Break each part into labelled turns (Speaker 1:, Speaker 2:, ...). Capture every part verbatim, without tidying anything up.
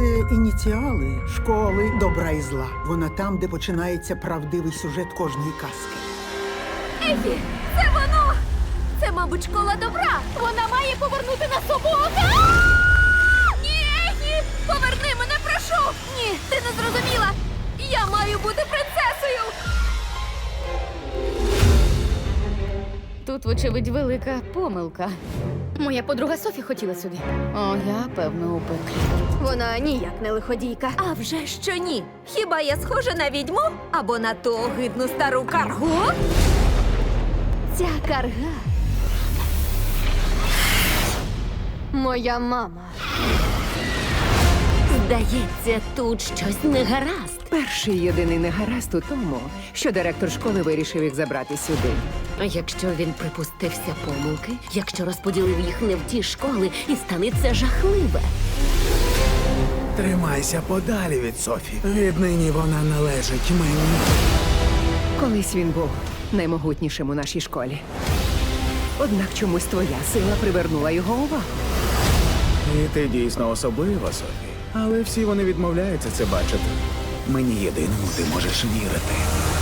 Speaker 1: Це ініціали школи добра і зла. Вона там, де починається правдивий сюжет кожної казки.
Speaker 2: Ефі, це воно! Це, мабуть, школа добра. Вона має повернути нас обох. А! Ні, Ефі! Поверни мене, прошу! Ні, ти не зрозуміла! Я маю бути принцесою!
Speaker 3: Тут, вочевидь, велика помилка. Моя подруга Софі хотіла сюди. О, я, певно, у пеклі.
Speaker 2: Вона ніяк не лиходійка. А вже що ні? Хіба я схожа на відьму? Або на ту огидну стару каргу? Ця карга моя мама. Здається, тут щось не гаразд.
Speaker 4: Перший єдиний негаразд у тому, що директор школи вирішив їх забрати сюди.
Speaker 5: А якщо він припустився помилки, якщо розподілив їх не в ті школи, і станеться жахливе.
Speaker 6: Тримайся подалі від Софі. Віднині вона належить мені.
Speaker 4: Колись він був наймогутнішим у нашій школі. Однак чомусь твоя сила привернула його увагу.
Speaker 6: І ти дійсно особлива, Софі. Але всі вони відмовляються це бачити. Мені єдиному ти можеш вірити.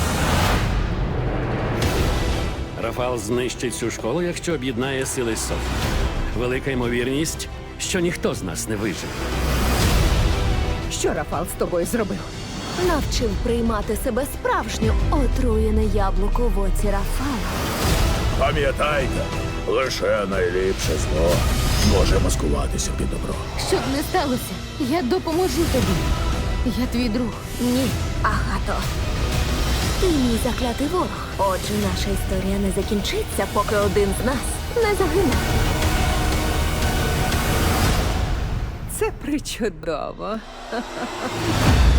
Speaker 7: Рафал знищить цю школу, якщо об'єднає сили Софі. Велика ймовірність, що ніхто з нас не виживе.
Speaker 4: Що Рафал з тобою зробив?
Speaker 2: Навчив приймати себе справжню, отруєне яблуко в оці Рафала.
Speaker 6: Пам'ятайте, лише найліпше зло може маскуватися під добро.
Speaker 3: Що б не сталося, я допоможу тобі. Я твій друг.
Speaker 2: Ні, Агато. Ти мій заклятий ворог. Отже, наша історія не закінчиться, поки один з нас не загине.
Speaker 4: Це причудово.